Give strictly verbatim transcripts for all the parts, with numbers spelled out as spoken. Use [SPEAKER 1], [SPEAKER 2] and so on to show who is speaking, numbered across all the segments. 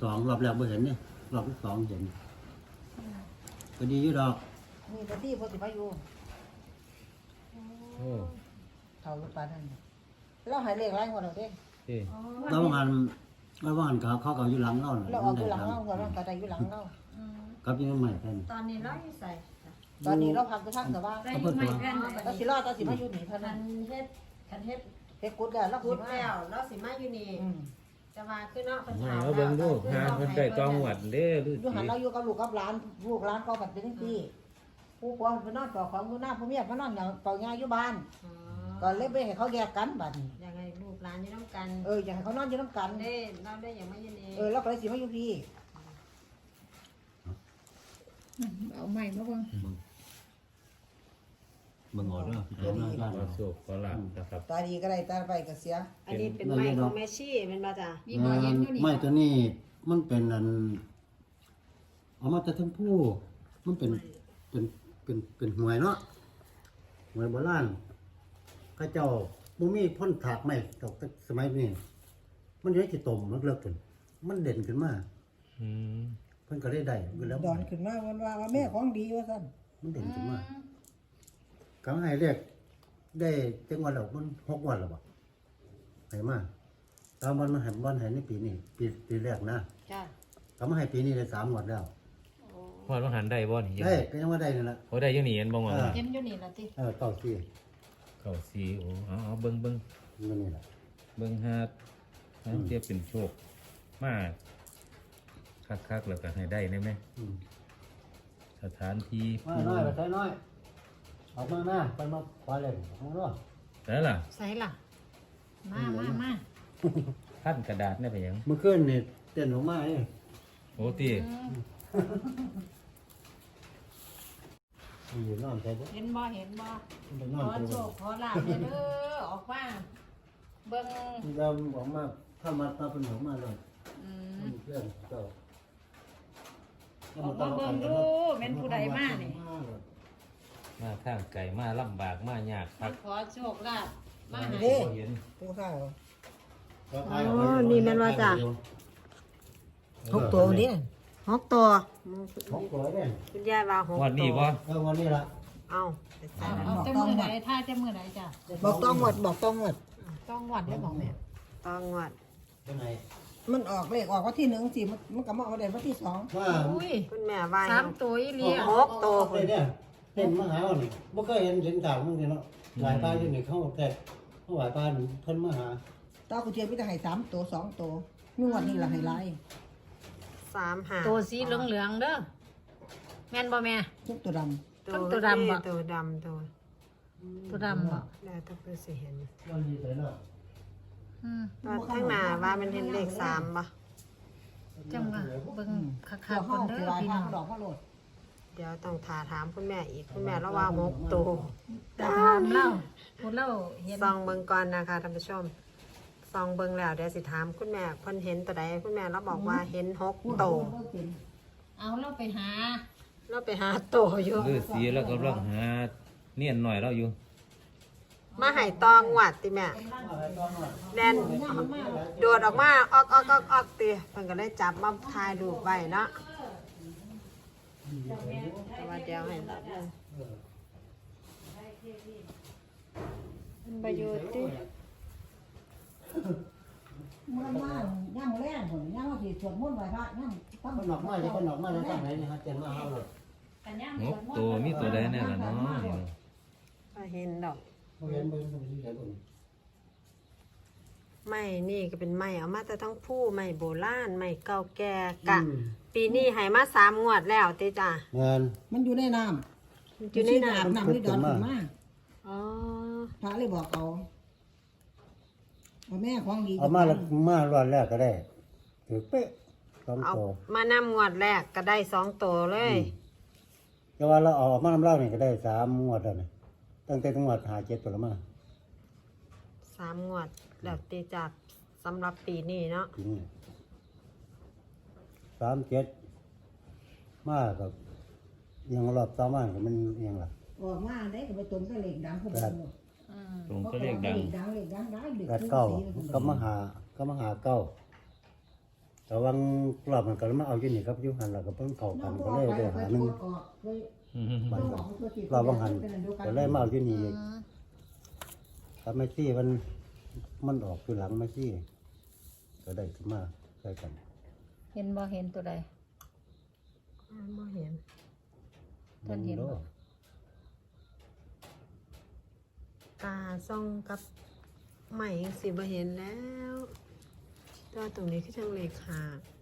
[SPEAKER 1] สองรอบแรกไม่เห็นเนี่ยรอบที่สองเห็นก็ดีอยู่ดอก
[SPEAKER 2] มีปฏิปฏิมาอยู่
[SPEAKER 3] โอ้
[SPEAKER 2] เท่าลูกปลานั่นเราหายเลขไรหัวเราเด้ง
[SPEAKER 1] แล้วบางอันแล้วบางอันเขาเขาก็อยู่หลังเรา
[SPEAKER 2] เราเอาอยู่หลังเราหัวเรากระไดอยู่หลังเรา
[SPEAKER 1] กับยังใหม่แค่นี้
[SPEAKER 4] ตอนนี้เราอยู่ใส่
[SPEAKER 2] ตอนนี้เราพักจะพักแต่ว่า
[SPEAKER 4] เราอยู่ใหม่แค่ไหน
[SPEAKER 2] เราสิรอดเราสิมาอยู่นี่เท่านั้น
[SPEAKER 4] เฮ็ดคันเฮ็ด
[SPEAKER 2] เฮ็ดกุดแล้วเรา
[SPEAKER 4] กุดแล้วเราสิมาอยู่นี่จะมาขึ้นเนาะเป็นถาม
[SPEAKER 3] เอาเบิ่งดูหาเพิ่นได้ตองหวัดเด้ฤา
[SPEAKER 2] อยู่หัน
[SPEAKER 3] ษี
[SPEAKER 2] เราอยู่กับลูกกับหลานลูกหลานก็บัดเป็นจังซี่ผู้ปกครองไปนอนต่อของอยู่หน้าผู้เมียมานอนอย่างเป่ายาอยู่บ้านก็เลยไปให้เขาแยกกันบัดนี้
[SPEAKER 4] อย่างไรลูกหลานอยู่น้ำกัน
[SPEAKER 2] เอออยากให้เขานอนอยู่น้ำกัน
[SPEAKER 4] เด้เราได้อย่างไม่ยินดี
[SPEAKER 2] เออเราก็เลยสิมาอยู่พี่
[SPEAKER 5] เอาใหม่มาเบิ่ง
[SPEAKER 1] บางออเดอร์เดี๋ยวมาบ้าน
[SPEAKER 3] ขอ
[SPEAKER 1] เรา
[SPEAKER 3] โชคขอลาภนะครับ
[SPEAKER 2] ตาดีก็ได้ตาไปก็เสีย
[SPEAKER 4] อันนี้เป็นไม้ของแม่ชี่เป็นมาจ้ะ
[SPEAKER 5] มีหมอเย็นอยู่นี่
[SPEAKER 1] ไม่ตัวนี้มันเป็นอันเอามาแต่ทั้งผู้มันเป็นเป็นเป็นเป็นหวยเนาะหวยโบราณข้าเจ้าบ่มีพ่นถากไม่ตกสมัยนี้มันอยู่ในที่ต้มเลิกๆกันมันเด่นขึ้นมา
[SPEAKER 3] อืม
[SPEAKER 1] เพิ่นก็ได้ได้อยู่แล้ว
[SPEAKER 2] ดอนขึ้นมาวันว่าแม่ของดีว่าซั่น
[SPEAKER 1] มันเด่นขึ้นมาก็ให้เรียกได้จังหวัดแล้วมันหกวันแล้วบ่ให้มาตามวันมันให้วันให้ในปีนี้ปีปีแรกนะ
[SPEAKER 4] จ้ะ
[SPEAKER 1] ก็มาให้ปีนี้ได้สามงวดแล้ว
[SPEAKER 3] พอดว่าหันได้บ่นี่
[SPEAKER 1] ได้ก็ยังว่าได้นี่ล่ะ
[SPEAKER 3] โอ้ได้อยู่นี่เห็นบ่ว่า
[SPEAKER 5] เย็นอยู่นี่ล่ะติ
[SPEAKER 1] เออเก้าสี่
[SPEAKER 3] เก้าสี่โอ้เอาเอาเบิ่งเบิ่ง
[SPEAKER 1] มันนี่ล่ะ
[SPEAKER 3] เบิ่งหาหาเทียบเป็นโชคมาคักๆแล้วก็ให้ได้ได้ไหม
[SPEAKER 1] อืม
[SPEAKER 3] สถานที่
[SPEAKER 1] มาน้อยไปใช้น้อยออกมาหน้าไปมาขวาเลยเอาเนาะ
[SPEAKER 3] ได้ล่ะ
[SPEAKER 5] ใส่ล่ะมามามา
[SPEAKER 3] พันกระดาษได้ไปหยัง
[SPEAKER 1] เมื่อคืนนี่เต้นออกมาเอ้
[SPEAKER 3] โอ้ติ
[SPEAKER 1] อยู่นอนใช่บ่
[SPEAKER 5] เห็นบ่เห็นบ่
[SPEAKER 1] ไปน
[SPEAKER 5] ข
[SPEAKER 1] อน
[SPEAKER 5] อ
[SPEAKER 1] ไป
[SPEAKER 5] โชคขอลาภเด้อออกมาเบิ่ง
[SPEAKER 1] เราออกมาถ้ามาตาเป็นออกมาเลย
[SPEAKER 5] อืม
[SPEAKER 1] เพื่อนเจ้า
[SPEAKER 5] ออกมาเบิ่งดูแม่นผู้ใดมานี่
[SPEAKER 3] มาทางไกลมาลำบากมายากค
[SPEAKER 5] มา
[SPEAKER 3] รับ
[SPEAKER 5] ขอโชคลาภมาให้
[SPEAKER 2] เด้
[SPEAKER 3] เห็น
[SPEAKER 2] ผู้ข้าว
[SPEAKER 4] อ๋อนี่แม่นว่าจ้ะ
[SPEAKER 2] ทุกตัวนี่
[SPEAKER 4] หกตัว
[SPEAKER 1] หกตัวเนี่ย
[SPEAKER 4] คุณยายว่าหก
[SPEAKER 3] วันนี้บ่
[SPEAKER 1] เออวันนี้ละ
[SPEAKER 4] เอา
[SPEAKER 5] เอาแต่มื้อใดถ้าจะมื้อใดจ้ะ
[SPEAKER 2] บอกต้องหมดบอกต้องหมด
[SPEAKER 5] ต้องวัดได้บอกแม่
[SPEAKER 4] ต้องวัด
[SPEAKER 1] เป็นไง
[SPEAKER 2] มันออกเลขออกวันที่หนึ่งสิมันมันก็มาเอาได้วันที่สอง
[SPEAKER 1] ว่า
[SPEAKER 5] อุ้ย
[SPEAKER 4] คุณแม่ว่า
[SPEAKER 5] สามตัวอีหลี
[SPEAKER 4] หกตัว
[SPEAKER 1] เต้นเนี่ยเต้นมาหาเรานี่บ่เคยเห็นเห็นข่าวมึงนี่เนาะหลายป้าอยู่นี่เขาแต่เขาหลายป้าเพิ่นมาหา
[SPEAKER 2] ตากูเทียนพี่จะให้สามตัวสองตัวมีวันนี้ละให้ไล่
[SPEAKER 4] สามหา
[SPEAKER 5] ตัวสีเหลืองๆเด้อแม่นบ่แม่
[SPEAKER 2] ทุกตัวด
[SPEAKER 5] ต้นตัวดำบ่
[SPEAKER 4] ตัวดำตัว
[SPEAKER 5] ตัวดำบ่
[SPEAKER 4] แล้วต้องไปสิเห็น
[SPEAKER 1] วันนี้เลยเนาะ
[SPEAKER 5] อืม
[SPEAKER 4] ว่าข้างหน้าว่ามันเห็นเลขสามบ่
[SPEAKER 5] จังว่าเบิ่ง
[SPEAKER 2] ำ
[SPEAKER 5] คัก
[SPEAKER 2] เขา
[SPEAKER 5] ๆ
[SPEAKER 2] ห้
[SPEAKER 5] ก่
[SPEAKER 2] อ
[SPEAKER 5] อง นเด้
[SPEAKER 2] คือ
[SPEAKER 5] อ
[SPEAKER 2] ลาย
[SPEAKER 5] พี่
[SPEAKER 2] ทา
[SPEAKER 5] น้อง ง
[SPEAKER 2] ดอกเขาโหลด
[SPEAKER 4] เดี๋ยวต้องถาถามคุณแม่อีกคุณแม่แล้วว่าหกตัว
[SPEAKER 5] แต่ถามเล่าพูดเล่าเห็น
[SPEAKER 4] ซองเบิ่งก่อนนะคะท่านผู้ชมซองเบิ่งแล้วเดี๋ยวสิถามคุณแม่เพิ่นเห็นตัวใดคุณแม่เราบอกว่าเห็นหกตัว
[SPEAKER 5] เอาเราไปหา
[SPEAKER 4] เราไปหาตัวอยู่
[SPEAKER 3] ฤาษีแล้วก็กำลังหาเนียนหน่อยเราอยู่
[SPEAKER 4] มาให้ตองหวัดติแม่แดนโดดออกมาออกออกออกออกติเพิ่นก็ได้จับมาถ่ายรูปไว้เนาะแต่ว่าเดี๋ยวให้รับเลยมันประโยชน์ติ
[SPEAKER 2] เมื่อมาย่างแรงผมย่างว่าสิสวดมนต์ไหว้พระย่างตั้ง
[SPEAKER 1] เพิ่นออกมาจะเพิ่นออกมาแล้วทางไหนนี่ฮะเต้นมาเฮาเลย
[SPEAKER 3] งบตัวมีตัวใดแน่ล่ะเนาะ
[SPEAKER 4] ก็เห็นดอก
[SPEAKER 1] บ่เห็นบ่เห็นบ่เห็นบ่เห็น
[SPEAKER 4] ไม้นี่ก็เป็นไม้เอามาแต่ทั้งผู้ไม้โบราณไม้เก่าแก่กะ ปีนี้ให้มาสามงวดแล้วติจ้ะ
[SPEAKER 1] เงิน
[SPEAKER 2] มันอยู่ในน้
[SPEAKER 4] มัน
[SPEAKER 2] ำ
[SPEAKER 4] อยู่ในน้
[SPEAKER 2] น้ำนี่ดอนขึ้นมา
[SPEAKER 4] ำอ๋อ
[SPEAKER 2] พระเลยบอกเอาเอาแม่ของดี
[SPEAKER 1] เอามาแล้วมารอดแรกก็ได้ถือเป๊ะสอง
[SPEAKER 4] เอา
[SPEAKER 1] ตัว
[SPEAKER 4] มานำงวดแรกก็ได้สองตัวเลย
[SPEAKER 1] แต่ว่าเราเอาออกมาน้ำเหล้านี่ก็ได้สามงวดแล้วนี่ตั้งแต่จังหวัดหาเจ็ดตัวละมา
[SPEAKER 4] สามงวดแล้วตีจากสำหรับปีนี้เนาะ
[SPEAKER 1] ทีนี้สามเจ็ดมากับยังรอบต่อมาก็มันยังล่ะ
[SPEAKER 2] ออกมาได้ก็ไปตรงกับเหล็กดังพวกมัน
[SPEAKER 5] อืม
[SPEAKER 3] ตรงก็เรียกดัง
[SPEAKER 2] เหล็กดังเหล็กดังได้เด็ก
[SPEAKER 1] แปดเก้าก็มาหาก็มาหาเก้าแต่วังรอบมันก็มาเอาอยู่นี่ครับอยู่หันแล้วก็เพิ่งเข้ากันก็เลยได้หาหนึงบัดก็รอบวังหันก็เลยมาเอาอยู่นี่อีกครับแม่ซี่มันมันออกคือหลังแม่ซี่ก็ได้ขึ้นมาใส่กัน
[SPEAKER 5] เห็นบ่เห็นตัวใด
[SPEAKER 4] อ่าบ่เห็น
[SPEAKER 5] ท่านเห็นบ่
[SPEAKER 4] ตาส่องกับใหม่สิบ่เห็นแล้วแตัวาตรงนี้คือจังเลขา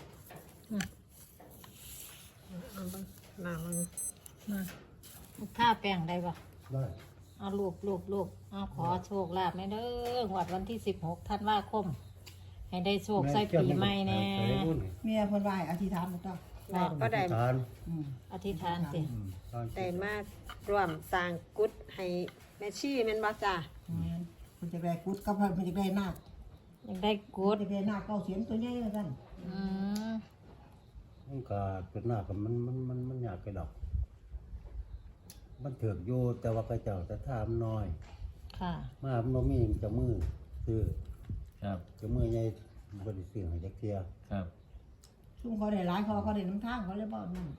[SPEAKER 4] เอาเบิ่งหน้าเบิ่ง
[SPEAKER 5] มาถ้าแป้งได้บ่
[SPEAKER 1] ได้
[SPEAKER 5] เอาลูกลูกลูกเอาขอโชคลาภแม่เด้อหวดวันที่สิบหกธันวาคม ให้ได้โชคใส่ปีใหม่แน่
[SPEAKER 2] เมียเพิ่นว่าให้อธิษฐานบ่ต้อง
[SPEAKER 4] บอกก็ได้
[SPEAKER 1] ทาน
[SPEAKER 2] อืม
[SPEAKER 5] อธิษฐานสิ
[SPEAKER 1] อืมทาน
[SPEAKER 4] ได้มาร่วมสร้างกุฏให้แม่ชีแม่นบ่จ้า
[SPEAKER 2] แม่นเพิ่นจะได้กุดกับเพิ่นเพิ่นจะได้นาค
[SPEAKER 5] ยังได้กู
[SPEAKER 2] เพิ่น
[SPEAKER 5] ด
[SPEAKER 2] จะได้นาคเก้าเสียนตัวใหญ่ว่าซั่น
[SPEAKER 5] อืม
[SPEAKER 1] มันก็เป็นหน้ากับมันมันมันมันยากไปดอก มันเถือกอยู่แต่ว่าก็เจ้าจะทามน้อย
[SPEAKER 5] ค่ะ
[SPEAKER 1] มามันบ่มีเจะมือซื้อ
[SPEAKER 3] ครับ
[SPEAKER 1] เจะมือใหญ่บ่ได้ซื้อให้จักเที่ย
[SPEAKER 3] ครับ
[SPEAKER 2] ซุ่มเขาได้หลายเขาเขาได้น้ำทางเขาเลยบ่นั่น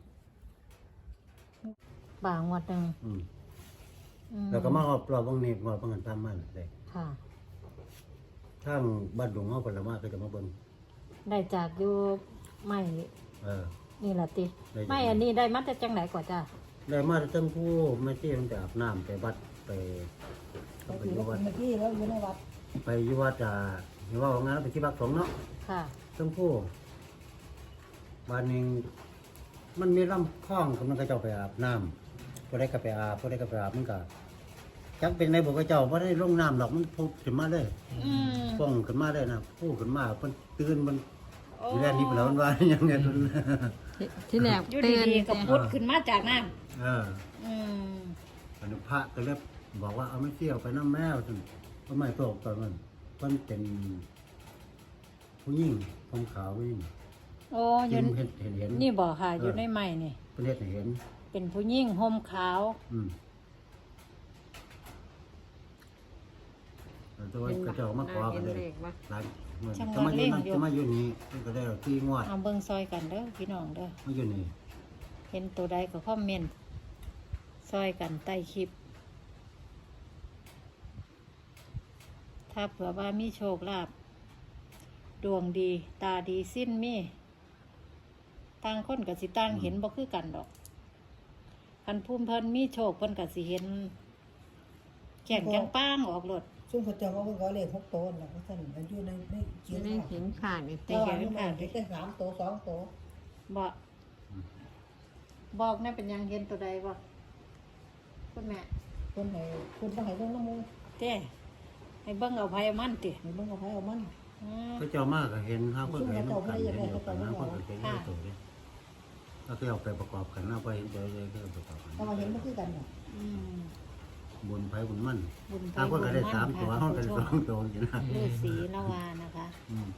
[SPEAKER 5] บางงวดหนึ่ง
[SPEAKER 1] อืม
[SPEAKER 5] อืม
[SPEAKER 1] แล้วก็มาเอาปลอบวงนี้มาเพิ่นตามมันได้
[SPEAKER 5] ค่ะ
[SPEAKER 1] ทางบ้านดงเฮาเพิ่นละมาก็จะมาเบิ่ง
[SPEAKER 5] ได้จากอยู่ไม่
[SPEAKER 1] เออ
[SPEAKER 5] นี่ละติ
[SPEAKER 1] ได้จาก
[SPEAKER 5] ไม่อันนี้ได้มาจากจังไหนก่อนจ้า
[SPEAKER 1] ได้มาทั้งผู้แม่ที่มันไปอาบน้ำไปวัดไป
[SPEAKER 2] ไป
[SPEAKER 1] ไป
[SPEAKER 2] ถือ
[SPEAKER 1] อยู่
[SPEAKER 2] ว่า
[SPEAKER 1] วัด
[SPEAKER 2] เมื่อกี้แล้วอยู่ในวัด
[SPEAKER 1] ไปอยู่วัดอ่าเห็นว่าของงานไปที่บักสงฆ์เนาะ
[SPEAKER 5] ค่ะ
[SPEAKER 1] ทั้งผู้บ้านหนึงมันมีลำคลองกำลังก็เจ้าไปอาบน้ำก็ได้ก็ไปอาบก็ได้ก็ไปอาบมันก็จักเป็นในบ่ก็เจ้าบ่ได้ลงน้ำหรอกมันพุขึ้นมาเลย
[SPEAKER 5] อืม
[SPEAKER 1] ฟ้องขึ้นมาเลยนะผู้ขึ้นมาเพิ่นตื่นมันทีแรกนี่เพิ่นแล้วมันว่า อย่างเงี้ยเพิ่น
[SPEAKER 4] ที่แรก
[SPEAKER 5] อยู่
[SPEAKER 4] เตือน
[SPEAKER 5] ดีๆก็พุดขึ้นมาจากน้
[SPEAKER 1] เออ
[SPEAKER 5] ำอืม
[SPEAKER 1] อนุพระก็เลยบอกว่าเอาไม่เที่ยวไปน้ำแมวจนก็ไม่ตกตอนนั้นเพิ่นเป็นผู้หญิงผมขาวผู้หญิง
[SPEAKER 5] โอ้อ
[SPEAKER 1] เห็
[SPEAKER 5] ยู่
[SPEAKER 1] นเห็นเห็นเห็น
[SPEAKER 5] นี่บอกค่ะ อยู่ในไม้นี่
[SPEAKER 1] เพิ่นเฮ็ดให้เห็น
[SPEAKER 5] เป็นผู้หญิงห่มขาว
[SPEAKER 1] อืมแต่ว่าก็เจ้ามาขอกันเลย
[SPEAKER 4] เห็นเลขบ่
[SPEAKER 1] หลายเมื่อจะมาอยู่นั่นจะมาอยู่นี่เพิ่นก็ได้ที่งวด
[SPEAKER 5] เอาเบิ่งซอยกันเด้อพี่น้องเด้อ
[SPEAKER 1] มาอยู่นี่
[SPEAKER 5] เห็นตัวใดก็คอมเมนต์ซอยกันใต้คลิป ถ้าเผื่อว่ามีโชคลาภดวงดี ตาดีสิ้นมีต่างคนกับสิต่างเห็นบ่คือกันดอกคันภูมิเพิ่นมีโชคเพิ่นกับสิเห็นแข่งจังป้างออกรถ
[SPEAKER 2] ซุ่มเขาเจ้าว่าเพิ่นก็เลขหกตัวนั่นแหละว่าซั่นมันอยู่ในใน
[SPEAKER 4] อ
[SPEAKER 2] เขีย
[SPEAKER 4] ยู่
[SPEAKER 2] น
[SPEAKER 4] ใน
[SPEAKER 2] ว่า
[SPEAKER 4] เห็นขาดนี่
[SPEAKER 2] แต่ว่าอยู่ในเขียนสามตัวสองตัว
[SPEAKER 5] บ่บอกแน่เป็นหยังเห็นตัวใดบ่คุณแม่
[SPEAKER 2] เพิ่นให้เพิ่นบ่ให้เบิ่งน้ำมูก
[SPEAKER 5] เต้ให้เบิ่งเอาไผเอามันติ
[SPEAKER 2] ให้เบิ่งเอาไผเอามัน
[SPEAKER 5] อืม
[SPEAKER 1] ก็เจ้ามาก็เห็นห้าเพิ่นก็เห็นกันเห็นเดียวกันนะเพิ่นก็เห็นอยู่ตัวเด้ก็คือเอาไปประกอบกันเอาไปเห็นตัวเลยก็ประกอบกัน
[SPEAKER 2] แต่ว่าเห็นบ่คือกันน่ะ
[SPEAKER 5] อืม
[SPEAKER 1] บุญไผบุญมั่น
[SPEAKER 5] บุญไป
[SPEAKER 1] ถ้าเพิ่นก็ได้
[SPEAKER 5] บุญ
[SPEAKER 1] สาม
[SPEAKER 5] น
[SPEAKER 1] ตัว
[SPEAKER 5] ค่ะ
[SPEAKER 1] เฮาก็
[SPEAKER 5] ท่
[SPEAKER 1] ได้
[SPEAKER 5] นผู้ชม
[SPEAKER 1] สองตัวจังนะ
[SPEAKER 5] ฤาษีนวานะคะ
[SPEAKER 1] อืม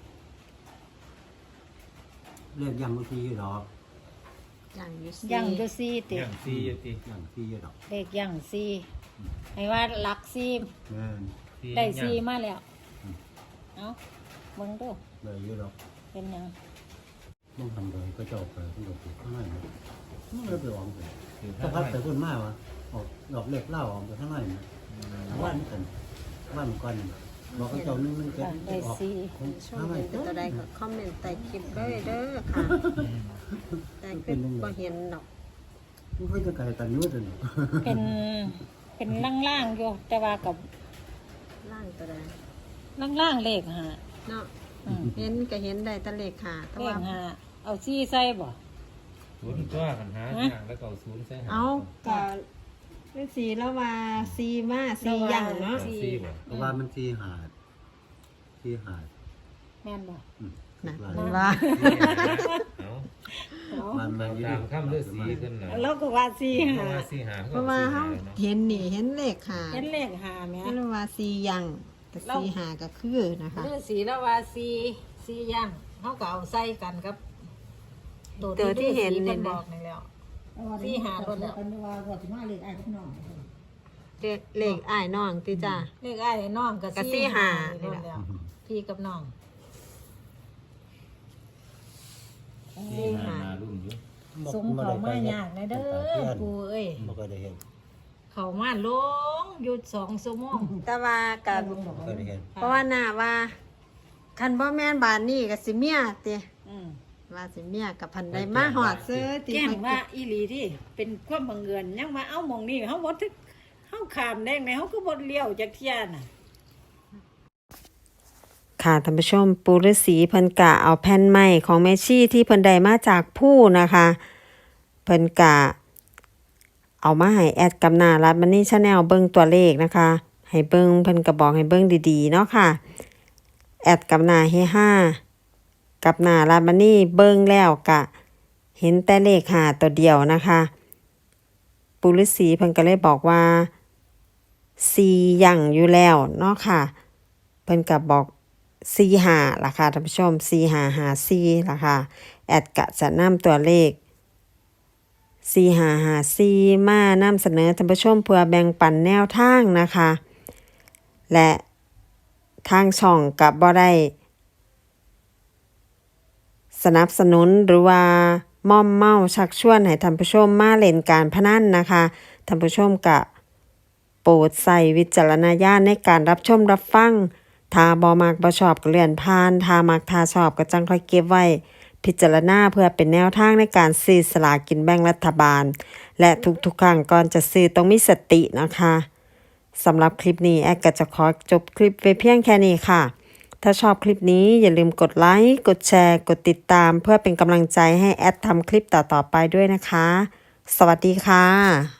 [SPEAKER 1] เรียกยังบ่ทีอยู่ดอก
[SPEAKER 4] อย่างอยู่
[SPEAKER 5] ยังอยู่ซีติ
[SPEAKER 3] อย่างซีอยู่ติ
[SPEAKER 1] ยังทีอยู่ดอก
[SPEAKER 5] เลขยังซีให้ว่าหลักซี
[SPEAKER 1] แม่น
[SPEAKER 5] ได้ซีมาแล้ว
[SPEAKER 1] อืม
[SPEAKER 5] เอ้าเบิ่งดู
[SPEAKER 1] ได้อยู่ดอก
[SPEAKER 5] เป็นหยัง
[SPEAKER 1] ต้องทำเลยก็เจ้าไปเพิ่นก็ปลูกข้างในมันมันเลยไปออกไป
[SPEAKER 3] คือ
[SPEAKER 1] ถ้า
[SPEAKER 3] ถ้า
[SPEAKER 1] พัดไปพุ่นมาวะออกดอกเล็กเล่าออกไปข้างในมันบ้านกันบ้านก่อนบอกกับเจ้านึงมันเกิด
[SPEAKER 5] อ่ะได้
[SPEAKER 1] ออก
[SPEAKER 5] ซี
[SPEAKER 4] ช่วง
[SPEAKER 1] ข้างใน
[SPEAKER 4] เห็นเป็นตัวใดก็คอมเมนต์ใต้คลิปเลยเด้อค่ะแต่คือบ่เห็นดอก
[SPEAKER 1] มันก็จะไกลกันอยู่ตัวนี้
[SPEAKER 5] เป็นเป็นล่างๆอยู่แต่ว่ากับ
[SPEAKER 4] ล่างตัวใด
[SPEAKER 5] ล่างๆเลขหา
[SPEAKER 4] เนาะ
[SPEAKER 5] อืม
[SPEAKER 4] เห็นก็เห็นได้แตะเลขค่ะแต่
[SPEAKER 5] เล
[SPEAKER 4] ว่า
[SPEAKER 5] ขหาเอาซีใส่บ่
[SPEAKER 3] ศูนย์ตัวกันหาอย่างแล้วก็เอาศูนย์ใส่หา
[SPEAKER 4] เอาก็ฤาษีแล้วว่าซีมาซีอย่างเนาะ
[SPEAKER 3] เอาซีบ่
[SPEAKER 1] เพราะว่ามันทีหาดทีหาด
[SPEAKER 5] แม่นบ่
[SPEAKER 1] อืม
[SPEAKER 4] นะ
[SPEAKER 1] หลาย
[SPEAKER 4] เห็นว่า
[SPEAKER 3] เอา
[SPEAKER 5] เอา
[SPEAKER 1] มันมันอยู่
[SPEAKER 3] ตามคำฤาษีขึ้นน่ะ
[SPEAKER 5] แล้วก็ว่าซี
[SPEAKER 3] เพ
[SPEAKER 5] หา
[SPEAKER 3] ราะว่าซีหา
[SPEAKER 4] เพราะว่าเฮาเห็นนี่เห็นเลขค่ะ
[SPEAKER 5] เห็นเลขหาแม่
[SPEAKER 4] เรียกว่าซีอย่างแต่ซีหาก็คือนะคะ
[SPEAKER 5] ฤาษีแล้วว่าซีซีย่างเฮาก็เอาใส่กันกับ
[SPEAKER 4] ตัวที่เห็น
[SPEAKER 5] ฤาษี
[SPEAKER 4] เนี่
[SPEAKER 5] เพิ่
[SPEAKER 4] ย
[SPEAKER 5] นบ
[SPEAKER 4] นะ
[SPEAKER 5] อกนี่แล้ว
[SPEAKER 2] แต่ว่า
[SPEAKER 5] ที่หาคนแล้ว
[SPEAKER 2] กันว่าว่าสิมาเลขอ้ายกับน้อง
[SPEAKER 4] เลขเลขอ้ายน้องติจ้า
[SPEAKER 5] เลขอ้ายน้องก็
[SPEAKER 4] ก็สี่ห้านี่
[SPEAKER 5] นี่
[SPEAKER 4] แหละ
[SPEAKER 5] แล้วพี่กับน้อง
[SPEAKER 3] ที่หานารุ่นอยู่
[SPEAKER 5] สงเขามายากนะเด้อปูเอ้ย
[SPEAKER 1] บ่ก็ได้เห็น
[SPEAKER 5] เขามาลงหยุดสองชั่วโมง
[SPEAKER 4] แต่ว่ากับ
[SPEAKER 1] บ่ก็ได้เห็น
[SPEAKER 4] เพราะว่าน่าว่าคันบ่แม่นบานนี้ก็สิเมียติ
[SPEAKER 5] อืม
[SPEAKER 4] ว่าสิเมียกับพันใดมาหอดซื้อติ
[SPEAKER 5] แจ้งว่าอีหลีที่เป็นความบังเอิญยังมาเอาหมองนี่เฮาบ่ทึกเฮาขามแดงในเฮาก็บ่เลี้ยวจักเที่ยน่ะ
[SPEAKER 4] ค่ะท่านผู้ชมปูฤาษีเพิ่นกะเอาแผ่นไม้ของแม่ชีที่เพิ่นได้มาจากผู้นะคะเพิ่นกะเอามาให้แอดกับหน้ารัดมันนี่ชาแนลเบิ่งตัวเลขนะคะให้เบิ่งเพิ่นก็บอกให้เบิ่งดีๆเนาะค่ะแอดกับหน้าเฮห้ากับหน้ารัดมันนี่เบิ่งแล้วกะเห็นแต่เลขห้าตัวเดียวนะคะปูฤาษีเพิ่นก็เลยบอกว่าสี่อย่างอยู่แล้วเนาะค่ะเพิ่นก็บอกสี่ห้าล่ะค่ะท่านผู้ชมสี่ห้าห้าสี่ล่ะค่ะแอดกะจะนำตัวเลขสี่ห้าห้าสี่มานำเสนอท่านผู้ชมเพื่อแบ่งปันแนวทางนะคะ และทางช่องกับบ่ได้สนับสนุนหรือว่าม่อมเมาชักชวนให้ท่านผู้ชมมาเล่นการพนันนะคะท่านผู้ชมกะโปรดใส่วิจารณญาณในการรับชมรับฟังถ้าบ่มักบ่ชอบก็เลื่อนผ่านถ้ามักถ้าชอบก็จังค่อยเก็บไว้พิจารณาเพื่อเป็นแนวทางในการซื้อสลากกินแบ่งรัฐบาลและทุกๆครั้งก่อนจะซื้อต้องมีสตินะคะสำหรับคลิปนี้แอดก็จะขอจบคลิปไว้เพียงแค่นี้ค่ะถ้าชอบคลิปนี้อย่าลืมกดไลค์กดแชร์กดติดตามเพื่อเป็นกำลังใจให้แอดทำคลิปต่อๆไปด้วยนะคะสวัสดีค่ะ